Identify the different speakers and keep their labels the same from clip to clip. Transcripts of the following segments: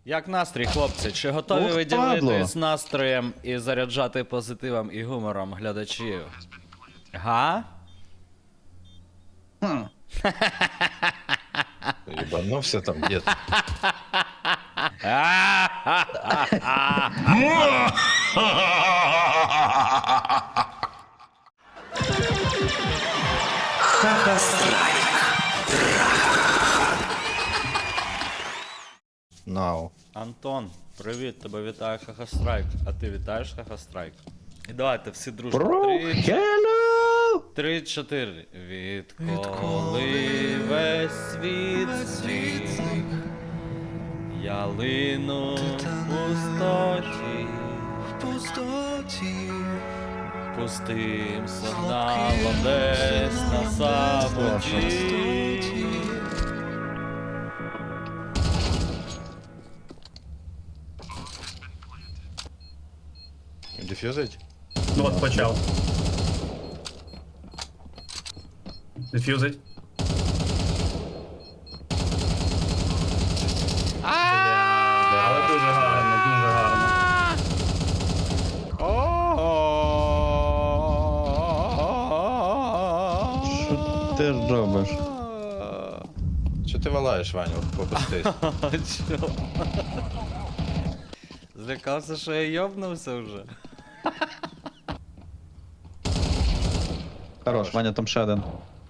Speaker 1: Як настрій, хлопці? Чи готові
Speaker 2: Ох,
Speaker 1: ви
Speaker 2: падло.
Speaker 1: ділитись настроєм і заряджати позитивом і гумором глядачів? Га?
Speaker 3: Ебанулся там где-то. Нау.
Speaker 1: Антон, привіт, тебе вітає Хахастрайк. А ти вітаєш Хахастрайк? І давайте всі дружно.
Speaker 2: Hello!
Speaker 1: 3-4. Відколи весь світ зник, я лину в пустоті, пустим сигналом десь на самоті.
Speaker 3: Дефьюзить?
Speaker 4: Ну от почав. Дефюзить. Але дуже гарно, дуже гарно.
Speaker 2: Що ти робиш?
Speaker 3: Что ты валаешь, Ваню? Попустись.
Speaker 1: Чо? Злякався, що я йобнувся вже.
Speaker 2: Хорош, Ваня, там ще один.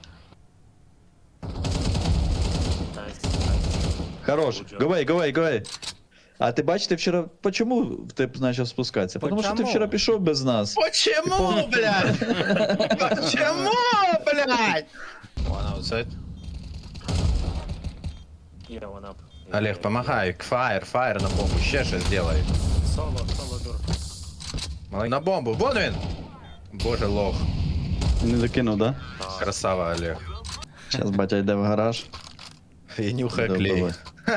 Speaker 2: Хорош, go away. А ти бачиш, ти вчора... Почому ти почав спускатися? Тому що ти
Speaker 1: Почему?
Speaker 2: вчора пішов без нас.
Speaker 3: Почему, блядь? Почему, блядь? One outside.
Speaker 5: Yeah, one up.
Speaker 3: Олег, помогай. Фаер на бомбу. Ще щось сделай.
Speaker 5: Solo door.
Speaker 3: Малий, на бомбу. Вон він! Боже, лох.
Speaker 2: Не докинув, да?
Speaker 3: Красава, Олег.
Speaker 2: Зараз батя йде в гараж.
Speaker 3: І нюхає
Speaker 2: Добре.
Speaker 3: клей.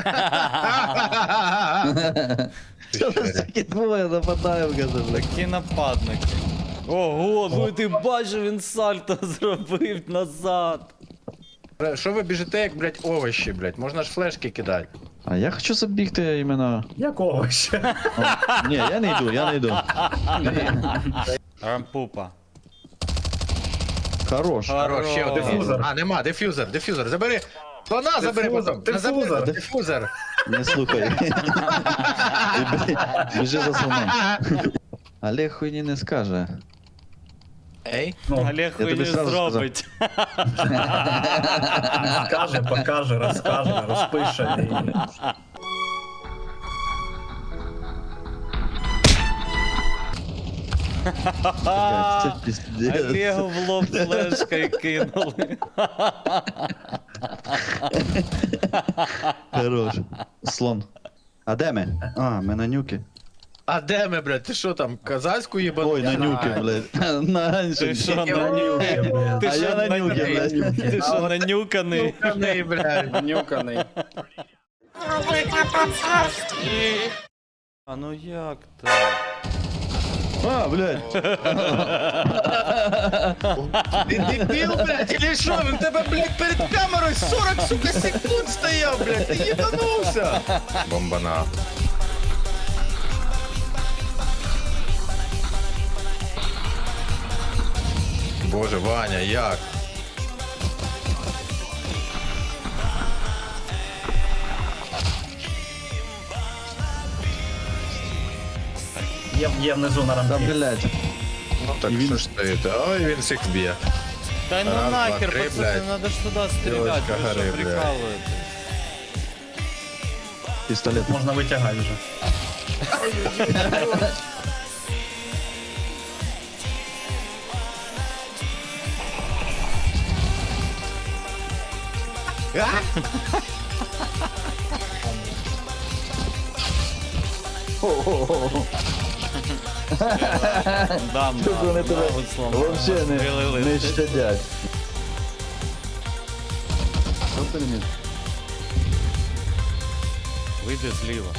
Speaker 2: Що це таке двоє нападаємо, каже, блядь.
Speaker 1: Такі нападники. Ого, ну ти бачив, він сальто зробив назад.
Speaker 3: Що ви біжите, як, блядь, овощі, блядь? Можна ж флешки кидати.
Speaker 2: А я хочу забігти іменно...
Speaker 4: Якого ще?
Speaker 2: Ні, я не йду.
Speaker 1: Рампупа.
Speaker 2: Хорош.
Speaker 3: Хорош, ще один.
Speaker 4: Дифузор.
Speaker 3: А, нема, дифузор. Забери. Слона забери
Speaker 4: Дифузор,
Speaker 3: потім.
Speaker 4: дифузор.
Speaker 3: Дифузор.
Speaker 2: Не слухай. Біжи за слоном. Олег хуйні не скаже.
Speaker 3: Ей.
Speaker 4: Ну,
Speaker 1: Олег
Speaker 2: тобі
Speaker 1: хуйню
Speaker 2: сразу
Speaker 1: зробить.
Speaker 4: скаже, покаже, розкаже, розпише.
Speaker 2: Це піздець.
Speaker 1: Олегу в лоб флешкою кинули.
Speaker 2: Хорош. Слон. А де ми? А, ми на нюки.
Speaker 3: А де ми, блядь? Ти що там, казацьку їбану?
Speaker 2: Ой, на нюки, блядь. На
Speaker 1: Ти
Speaker 2: іншому.
Speaker 1: що,
Speaker 3: Ні,
Speaker 1: на
Speaker 4: нюки, блядь.
Speaker 1: Ти
Speaker 2: А
Speaker 1: що,
Speaker 2: я на нюки, блядь.
Speaker 1: Ти що, нанюканий?
Speaker 3: Нюканий, блядь, нюканий.
Speaker 1: А ну як так?
Speaker 2: А, блядь.
Speaker 3: Ти дебіл, блядь, или що? Він тебе, блядь, перед камерою 40, сука, секунд стояв, блядь, ти їбанувся. Бомбана. Боже, Ваня, як?
Speaker 4: Є внизу на
Speaker 2: Та,
Speaker 4: рампі.
Speaker 2: блядь.
Speaker 3: Ну так що ж стоїть? Ой, він всіх б'є.
Speaker 1: Та ну
Speaker 3: Раз,
Speaker 1: нахер,
Speaker 3: два, три,
Speaker 1: пацани,
Speaker 3: блядь.
Speaker 1: надо ж туди стріляти,
Speaker 3: Дівочка
Speaker 1: ви
Speaker 3: гори,
Speaker 1: що,
Speaker 3: блядь.
Speaker 1: прикалуєте?
Speaker 2: Пістолет.
Speaker 4: Можна витягати вже.
Speaker 1: Дам,
Speaker 2: Вони тебе вообще не щадять. Що ти мені?
Speaker 1: Вийди зліва.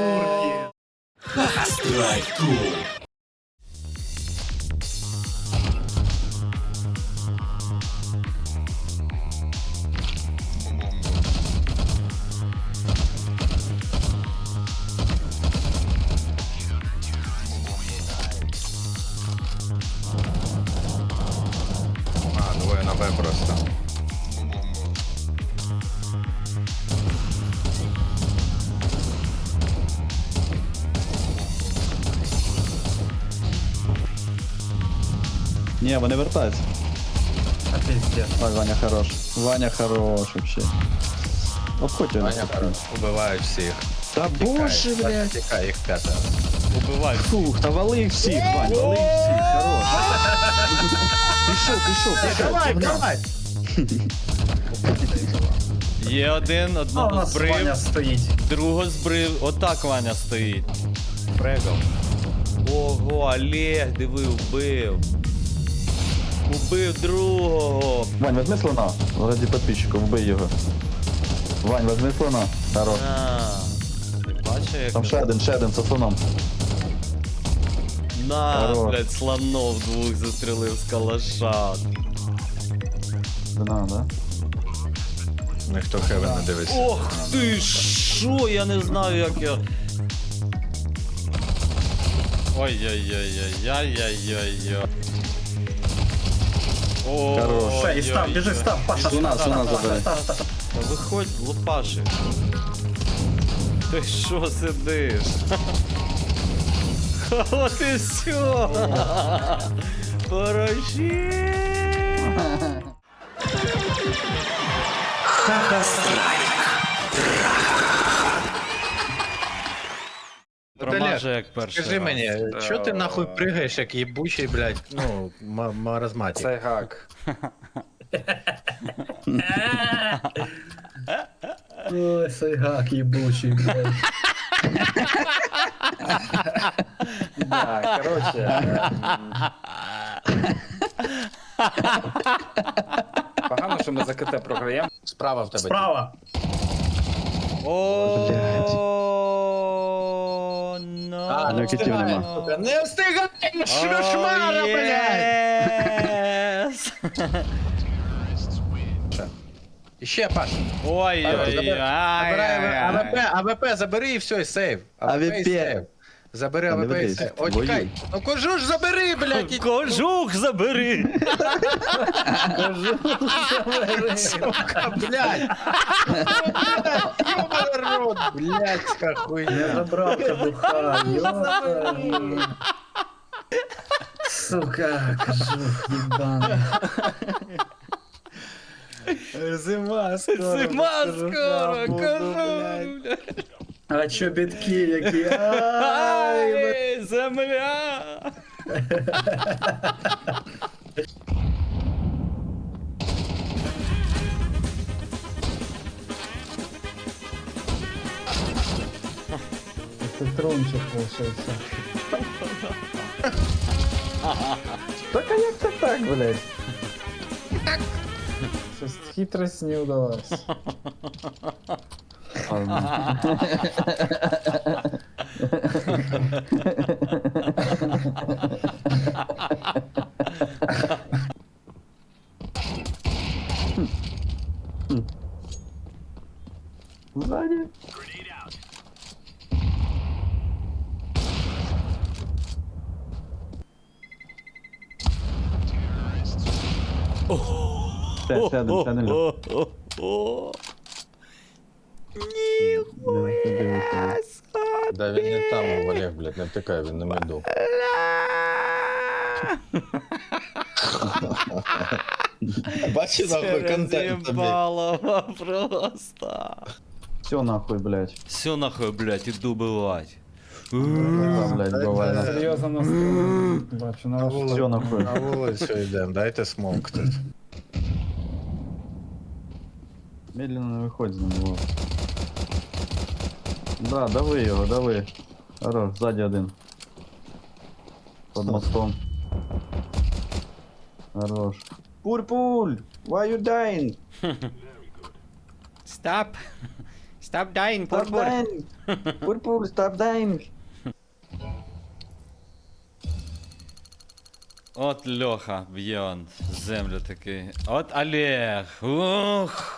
Speaker 4: Сурки.
Speaker 3: А, двоє на Б просто.
Speaker 2: Ні, вони вертаються.
Speaker 4: А пиздец.
Speaker 2: Ой, Ваня хорош. Ваня хорош вообще. Обходь його.
Speaker 3: Ваня хорош. Убивають всіх.
Speaker 2: Та боже, блядь.
Speaker 3: Тікай, їх п'ятеро.
Speaker 1: Убивай.
Speaker 2: Фух, та вали їх всіх, Вань, вали їх всіх, хорош. Пішов.
Speaker 3: Давай, давай!
Speaker 1: Є один,
Speaker 4: А у
Speaker 1: одного
Speaker 4: нас Ваня
Speaker 1: збрив,
Speaker 4: стоїть.
Speaker 1: другого збрив. Отак Ваня стоїть. Фрегав. Ого, Олег, диви, вбив. Убив другого.
Speaker 2: Вань, возьми слона. Ради підписчиків, вбий його. Вань, возьми слона. Хорош.
Speaker 1: А, ти бачиш, як...
Speaker 2: Там ще один со слоном.
Speaker 1: На,
Speaker 2: Хорош.
Speaker 1: блядь, слонов двох застрелив з калаша.
Speaker 2: Вина, да?
Speaker 3: Ніхто Хевен не дивиться.
Speaker 1: Ох ти шо, я не знаю, як я... Ой-ой-ой-ой-ой-ой-ой-ой.
Speaker 2: Хорош.
Speaker 4: Все, і став, біжи, став, Паша,
Speaker 2: Слона
Speaker 4: став,
Speaker 2: забери.
Speaker 4: став.
Speaker 1: Та виходь, лупаши. Ти що сидиш? От і все. Пороші. Промаже як перший
Speaker 3: Скажи
Speaker 1: раз.
Speaker 3: мені, чо ти нахуй пригаєш, як їбучий, блядь, ну, маразматик?
Speaker 5: Це гак.
Speaker 4: Ой, цей гак їбучий, блядь.
Speaker 5: Да, короче. Погано, що ми за КТ програємо.
Speaker 3: Справа в тебе.
Speaker 4: Справа.
Speaker 1: О,
Speaker 3: А,
Speaker 2: Ну, китів нема.
Speaker 3: сука, не встигаєш, шмара, блядь!
Speaker 1: єс!
Speaker 3: Іще, Паш.
Speaker 1: Ой-ой-ой.
Speaker 3: АВП, АВП забери і все, і сейв.
Speaker 2: АВП.
Speaker 3: і сейв. Забери
Speaker 2: Та не
Speaker 3: АВП і
Speaker 2: ведись,
Speaker 3: сейв. О,
Speaker 2: воюй.
Speaker 3: чекай. Ну кажу ж забери, блядь. і-
Speaker 1: Кожух забери!
Speaker 3: Сука, блядь. Ёбаный рот, блядська
Speaker 4: Я
Speaker 3: хуйня.
Speaker 4: забрав кабуха, ёпта. Сука, кожух ебаный.
Speaker 3: Зима
Speaker 1: Зима скоро, кожух!
Speaker 4: А чобітки які? Ай,
Speaker 1: Ай, земля!
Speaker 4: Петрончик получился. Так а як це так, блядь? Щось хитрость не удалась.
Speaker 2: Сзади. Ще один, ще один.
Speaker 1: О-о-о.
Speaker 3: Да він не там, Олег, блядь, не втикай, він на меду. Бачиш, нахуй, контент тобі.
Speaker 1: Разъебалово просто.
Speaker 2: Все нахуй, блядь.
Speaker 1: Все нахуй, блядь, иду бывать.
Speaker 2: Да, блядь, буває.
Speaker 4: Серйозно настроєний. Бачу, на ваш
Speaker 2: Все нахуй.
Speaker 3: На вулицю йдемо, дайте смок тут.
Speaker 2: Медленно не виходь з ним, вот. Да, дави його, дави. Хорош, ззаді один. Под мостом. Хорош. Пуль-пуль! Why you dying?
Speaker 1: Stop. Stop dying,
Speaker 2: Stop dying! Purple, stop dying!
Speaker 1: От Льоха б'є он землю такий. От Олег. Ух.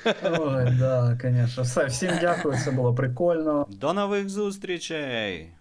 Speaker 4: Ой, да, конечно. Все, всім дякую, це було прикольно.
Speaker 1: До нових зустрічей!